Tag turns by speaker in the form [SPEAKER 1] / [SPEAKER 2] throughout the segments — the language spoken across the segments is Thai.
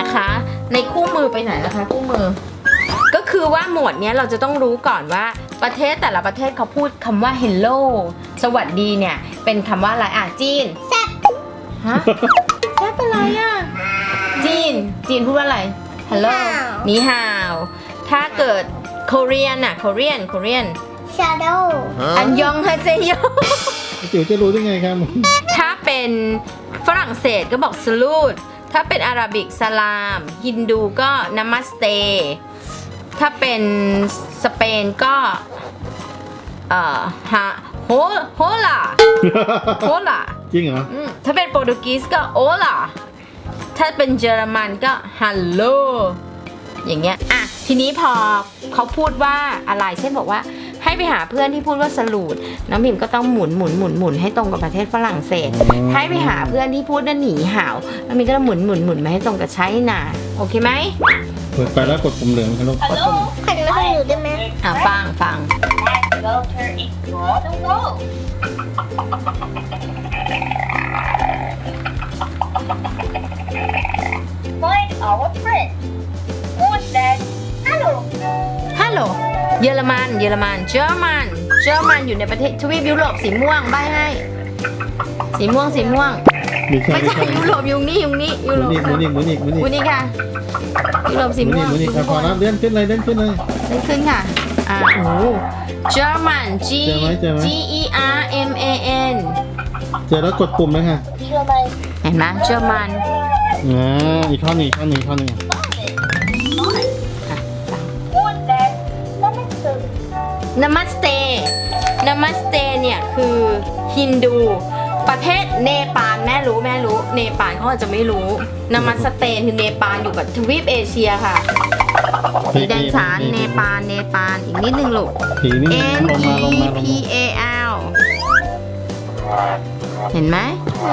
[SPEAKER 1] นะคะ ในคู่มือไปไหนนะคะคู่มือก็คือว่าหมวดนี้เราจะต้องรู้ก่อนว่าประเทศแต่ละประเทศเขาพูดคำว่า hello สวัสดีเนี่ยเป็นคำว่าอะไรจีนแซ่บฮะแซ่บอะไรจีนพูดว่าอะไร hello นีฮาวถ้าเกิด Korean น่ะ Korean
[SPEAKER 2] shadow
[SPEAKER 1] อันยองฮาเซโย
[SPEAKER 3] จิ๋วจะรู้ได้ไงครับ
[SPEAKER 1] ถ้าเป็นฝรั่งเศสก็บอก salute ถ้าเป็นอาหรับิกสลามฮินดูก็ namaste ถ้าเป็นสเปนก็โฮล่า
[SPEAKER 3] จริงเหรอ
[SPEAKER 1] ถ้าเป็นโปรตุเกสก็โอล่าถ้าเป็นเยอรมันก็ฮัลโหลอย่างเงี้ยอ่ะทีนี้พอเขาพูดว่าอะไรเช่นบอกว่าให้ไปหาเพื่อนที่พูดว่าสลูดน้องพิมก็ต้องหมุนให้ตรงกับประเทศฝรั่งเศสให้ไปหาเพื่อนที่พูดว่าหนีห่าวน้องพิมก็ต้องหมุนมาให้ตรงกับไชน่าโอเคไหม
[SPEAKER 3] เปิดไปแล้วกดปุ่มเหลืองครับลูก
[SPEAKER 2] ขันมาให้หนูได้ไหม
[SPEAKER 1] ฟัง
[SPEAKER 4] Water is more than gold. Find our friend. Who's that? Hello.
[SPEAKER 1] ฮัลโหลเยอรมันเยอรมันอยู่ในประเทศทวีปยุโรปสีม่วงใบให้สีม่วงไม่ใช่ยุโรปยุโรป
[SPEAKER 3] หมุนอีก
[SPEAKER 1] ค่ะยุโรปสีม่วง
[SPEAKER 3] หมุนอีกพอแล้วเลื่อนขึ้นเลย
[SPEAKER 1] เล่นขึ้นค่ะโอ้เยอรมัน G E R M A N
[SPEAKER 3] เจอแล้วกดปุ่มเลยค่ะ
[SPEAKER 1] เห็นไหมเยอรมัน
[SPEAKER 3] อีกข้อหนึ่ง
[SPEAKER 4] Found it. Who's that? Namaste.
[SPEAKER 1] Namaste เนี่ยคือฮินดูประเทศเนปาลแม่รู้เนปาลเขาอาจจะไม่รู้นามัสเตคือเนปาลอยู่กับทวีปเอเชียค่ะสีแดงฉานเนปาลอีกนิดนึงลูก
[SPEAKER 3] สีนี่
[SPEAKER 1] N
[SPEAKER 3] ลงมา
[SPEAKER 1] E P A L เห็นไหม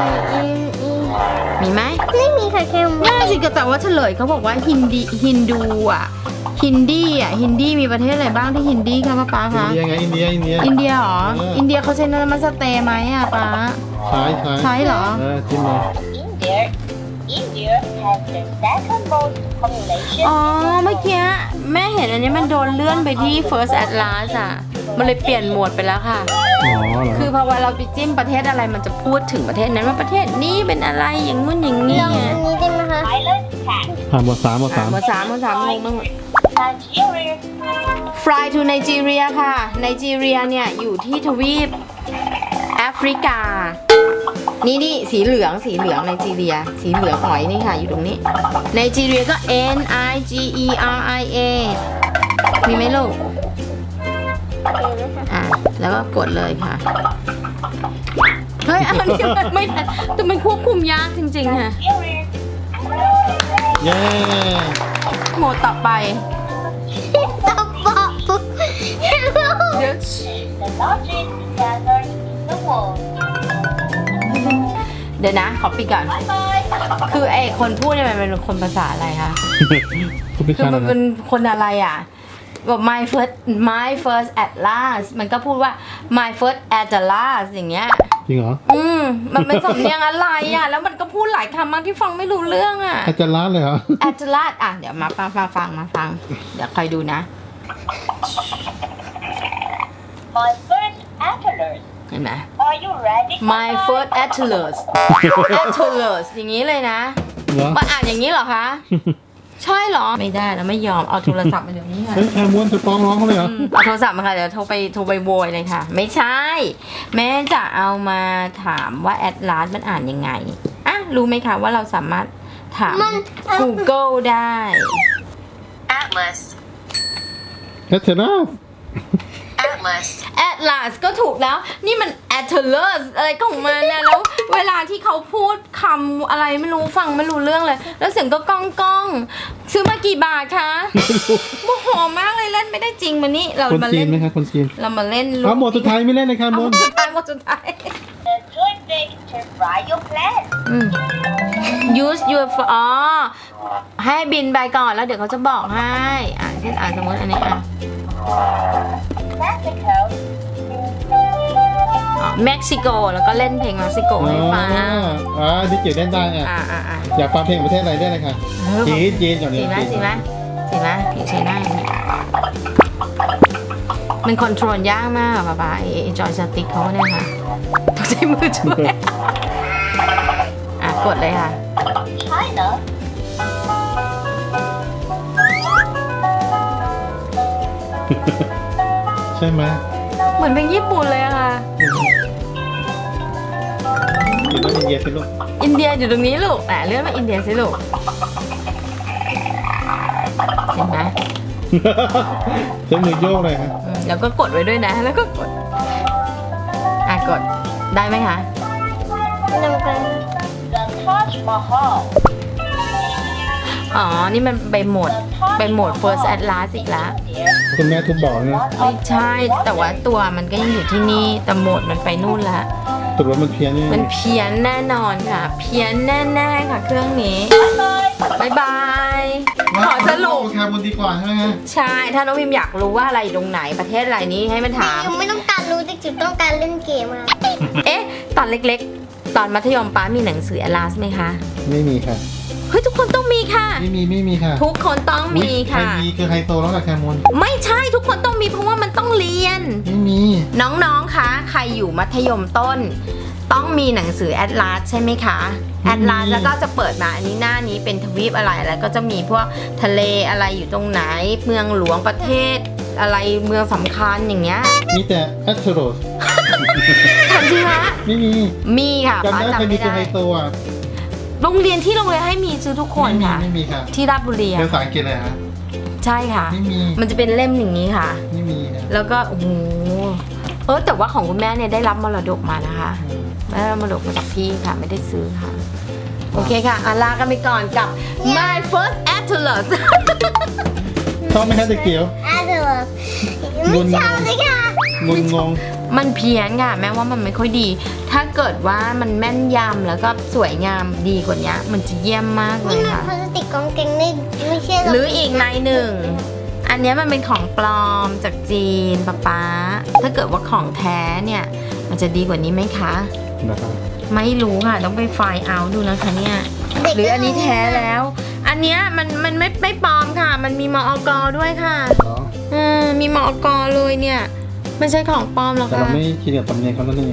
[SPEAKER 1] มีไหม
[SPEAKER 2] ไม่มีค่ะแค่
[SPEAKER 1] น่าสิแต่ว่าเฉลยเขาบอกว่าฮินดูฮินดีมีประเทศอะไรบ้างที่ฮินดีคะป้าคะ
[SPEAKER 3] อินเดีย
[SPEAKER 1] อินเดียเหรออินเดียเขาใช้นามัสเตไหมป้าใช้เหรอ
[SPEAKER 3] จิ้มเลย
[SPEAKER 4] India has the second most population.
[SPEAKER 1] อ๋อเมื่อกี้แม่เห็นอันนี้มันโดนเลื่อนไปที่ First Atlas มันเลยเปลี่ยนโหมดไปแล้วค่ะ
[SPEAKER 3] อ๋อเหรอ
[SPEAKER 1] คือพอเวลาเราไปจิ้มประเทศอะไรมันจะพูดถึงประเทศนั้นว่าประเทศนี้เป็นอะไรอย่างงู้นอย่างนี้
[SPEAKER 2] ลองอันนี้ได้ไหมคะ
[SPEAKER 4] Thailand has
[SPEAKER 3] หมดสาม
[SPEAKER 1] หมดสามงงไปหมด
[SPEAKER 4] Nigeria.
[SPEAKER 1] Fly to Nigeria ค่ะไนจีเรียเนี่ยอยู่ที่ทวีปแอฟริกานี่สีเหลืองไนจีเรียสีเหลืองหอยนี่ค่ะอยู่ตรงนี้ไนจีเรียก็ N I G E R I A มีไหมลูกแล้วก็กดเลยค่ะเฮ้ยอันนี้มันไม่ทันแต่มันควบคุมยากจริงๆค่ะ
[SPEAKER 3] เย้
[SPEAKER 1] โหมดต่อไป
[SPEAKER 2] ตบบอก
[SPEAKER 1] เดี๋ยว
[SPEAKER 4] The largest desert in the world.
[SPEAKER 1] เดี๋ยวนะขอปิดก่อน
[SPEAKER 4] Bye bye.
[SPEAKER 1] คือไอ้คนพูดเนี่ยมันเป็นคนภาษาอะไรคะ
[SPEAKER 3] คุณพิ
[SPEAKER 1] คือ
[SPEAKER 3] ชา
[SPEAKER 1] มันเป็นคนอะไรบอก my first Atlas มันก็พูดว่า my first Atlas อย่างเงี้ย
[SPEAKER 3] จริงเหรอ
[SPEAKER 1] มันเป็นสำเนียงอะไรแล้วมันก็พูดหลายคำมากที่ฟังไม่รู้เรื่อง
[SPEAKER 3] อาจารย์ล้านเลยเหรอ
[SPEAKER 1] Atlas เดี๋ยวมาฟังเดี๋ยวคอยดูนะ
[SPEAKER 4] My first atlas.
[SPEAKER 1] เห็นไหม
[SPEAKER 4] Are you ready?
[SPEAKER 1] my first Atlas อย่างนี้เลยนะ
[SPEAKER 3] เหรอ
[SPEAKER 1] มาอ่านอย่างนี้เหรอคะ ใช่เหรอไม่ได้แล้วไม่ยอมเอาโทรศัพท์มาเดี๋ยวนี้ค่ะ
[SPEAKER 3] เฮ้ยแคม้วนจะฟ้องร้องเขาเลยเหรอ
[SPEAKER 1] เอาโทรศัพท์มาค่ะเดี๋ยวโทรไปโวยเลยค่ะ ไม่ใช่ แม่จะเอามาถามว่าแอดลาสมันอ่านยังไงรู้ไหมคะว่าเราสามารถถาม Google ได้
[SPEAKER 4] Atlas.
[SPEAKER 3] แอตเทนัส
[SPEAKER 4] Atlas.
[SPEAKER 1] Atlas ก็ถูกแล้วนี่มัน Atlas อะไรของมันนะแล้วเวลาที่เขาพูดคำอะไรไม่รู้ฟังไม่รู้เรื่องเลยแล้วเสียงก็ก้องซื้อมากี่บาทคะโมโหมากเลยเล่นไม่ได้จริงมานี่เรา
[SPEAKER 3] คน
[SPEAKER 1] มา
[SPEAKER 3] จี
[SPEAKER 1] เล่
[SPEAKER 3] น
[SPEAKER 1] น
[SPEAKER 3] ไหมคะคนจีน
[SPEAKER 1] เรามาเล่น
[SPEAKER 3] หมดสุดท้ายไม่เล่นเลยค่ะ
[SPEAKER 1] ห
[SPEAKER 3] ม
[SPEAKER 1] ม
[SPEAKER 3] น
[SPEAKER 1] ดสุดท้าย
[SPEAKER 4] The joystick to fly your plane.
[SPEAKER 1] use your ให้บินไปก่อนแล้วเดี๋ยวเขาจะบอกให้เช่นสมมติอันนี้
[SPEAKER 4] Mexico.
[SPEAKER 1] เม็กซิโกแล้วก็เล่นเพลงเม็กซิโกให้ฟัง
[SPEAKER 3] ดิจิ๋วเล่นได้อ่ะ
[SPEAKER 1] อ่า
[SPEAKER 3] อยากฟังเพลงประเทศอะไรได้เลยค่ะจีนก่อน
[SPEAKER 1] สี
[SPEAKER 3] นี้
[SPEAKER 1] ไหมผิวใช้ได้มันคอนโทรลยากมากอะป๊าไอ้จอยสติ๊กเขาเนี่ยค่ะต้องใช้มือช่วยกดเลยค่ะ
[SPEAKER 4] China.
[SPEAKER 3] ใช่ไหม
[SPEAKER 1] เหมือนเพลงญี่ปุ่นเลยอะค่ะ
[SPEAKER 3] คิดว่าอินเดียสิลูก
[SPEAKER 1] อินเดียอยู่ตรงนี้ลูกเลื่อนมาอินเดียสิลูกเห็นไหม
[SPEAKER 3] ใช้มือโยกเลยฮะ
[SPEAKER 1] แล้วก็กดไว้ด้วยนะ แล้วก็กดกดได้ไหมคะ
[SPEAKER 2] นำไป
[SPEAKER 4] The Taj Mahal.
[SPEAKER 1] อ๋อ นี่มันไปโหมด First Atlas อีกแล้ว
[SPEAKER 3] คุณแม่ทุบบอกนะ
[SPEAKER 1] ไม่ใช่ แต่ว่าตัวมันก็ยังอยู่ที่นี่ แต่โหมดมันไปนู่นละ
[SPEAKER 3] ตกลงมันเพี้ยนนี่
[SPEAKER 1] มันเพี้ยนแน่นอนค่ะ เพี้ยนแน่ๆค่ะเครื่องนี้บายบาย ขอสรุป
[SPEAKER 3] แคร์บนดีกว่าใช่ไหมฮะ
[SPEAKER 1] ใช่ ถ้าน้องพิมอยากรู้ว่าอะไรตรงไหนประเทศอะไรนี้ให้มันถาม
[SPEAKER 2] ยังไม่ต้องการรู้แต่จุดต้องการเล่นเกมอะ
[SPEAKER 1] เอ๊ะ ตอนเล็กๆ ตอนมัธยมป้ามีหนังสือ Atlas ไหมคะ
[SPEAKER 3] ไม่มีค่ะ
[SPEAKER 1] เฮ้ย ทุกคนต้องมีค่ะ
[SPEAKER 3] ไม่มีค่ะ
[SPEAKER 1] ทุกคนต้องมี
[SPEAKER 3] ใคร
[SPEAKER 1] ค่ะ
[SPEAKER 3] มีคือไฮโซแล้วกับแคร์มอน
[SPEAKER 1] ไม่ใช่ทุกคนต้องมีเพราะว่ามันต้องเรียน
[SPEAKER 3] ไม่มี
[SPEAKER 1] น้องๆ คะ ใครอยู่มัธยมต้น ต้องมีหนังสือ Atlas ใช่ไหมคะ Atlas แล้วก็จะเปิดมาอันนี้หน้านี้เป็นทวีปอะไรแล้วก็จะมีพวกทะเลอะไรอยู่ตรงไหน เมืองหลวงประเทศอะไรเมืองสำคัญอย่างเงี้ย
[SPEAKER 3] มีแต่แอสโทรส
[SPEAKER 1] ทันทีคะ
[SPEAKER 3] ไม่มี
[SPEAKER 1] มีค่ะ
[SPEAKER 3] จำ
[SPEAKER 1] ป้า
[SPEAKER 3] ได้ใคร
[SPEAKER 1] จำ
[SPEAKER 3] มี
[SPEAKER 1] ไม่
[SPEAKER 3] คือ
[SPEAKER 1] ได้
[SPEAKER 3] ไฮโซอ่ะ
[SPEAKER 1] โรงเรียนให้มีซื้อทุกคนค่ะ
[SPEAKER 3] ไม่มีค่ะ
[SPEAKER 1] ที่ราชบุรี
[SPEAKER 3] เป็น
[SPEAKER 1] อะ
[SPEAKER 3] ภาษาอังกฤษเลยฮะ
[SPEAKER 1] ใช่ค่ะ
[SPEAKER 3] ไม่มี
[SPEAKER 1] มันจะเป็นเล่มอย่างนี้ค่ะ
[SPEAKER 3] ไม่มีนะ
[SPEAKER 1] แล้วก็โอ้โหแต่ว่าของคุณแม่เนี่ยได้รับมรดกมานะคะ ได้รับมรดกมาจากพี่ค่ะ ไม่ได้ซื้อค่ะ โอเคค่ะลากันไปก่อนกับ My First Atlas
[SPEAKER 3] ชอบไหมคะเด็กเกียว
[SPEAKER 2] อาเดอร์ไม่ชอบเลยค่ะ
[SPEAKER 3] งุนงง
[SPEAKER 1] มันเพี้ยนค่ะ แม้ว่ามันไม่ค่อยดี ถ้าเกิดว่ามันแม่นยำแล้วก็สวยงามดีกว่านี้มันจะเยี่ยมมากเล
[SPEAKER 2] นี่
[SPEAKER 1] ย
[SPEAKER 2] มัน
[SPEAKER 1] ค่ะ
[SPEAKER 2] พลาสติกกองเกงนี่ไม่ใช่
[SPEAKER 1] หรืออีกในหนึ่ง อันเนี้ยมันเป็นของปลอมจากจีนป๊าถ้าเกิดว่าของแท้เนี่ย มันจะดีกว่านี้ไหมคะ
[SPEAKER 3] นะครับ
[SPEAKER 1] ไม่รู้ค่ะ ต้องไปไฟล์เอาดูนะคะเนี่ย หรืออันนี้แท้แล้ว อันเนี้ยมันไม่ปลอมค่ะ มันมีมอกด้วยค่ะ
[SPEAKER 3] อ๋อ
[SPEAKER 1] มีมอกเลยเนี่ย ไม่ใช่ของปลอมหรอก
[SPEAKER 3] แต่เรา
[SPEAKER 1] ค่ะ
[SPEAKER 3] ไม่คิดกับตำเนียงเขานั่นเอง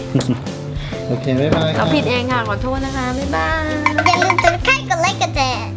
[SPEAKER 3] โอเค บ๊ายบาย
[SPEAKER 1] เราผิดเองค่ะ ขอโทษนะคะ บ๊ายบาย
[SPEAKER 2] อย่าลืมกดไลค์กดไลค์กดแชร์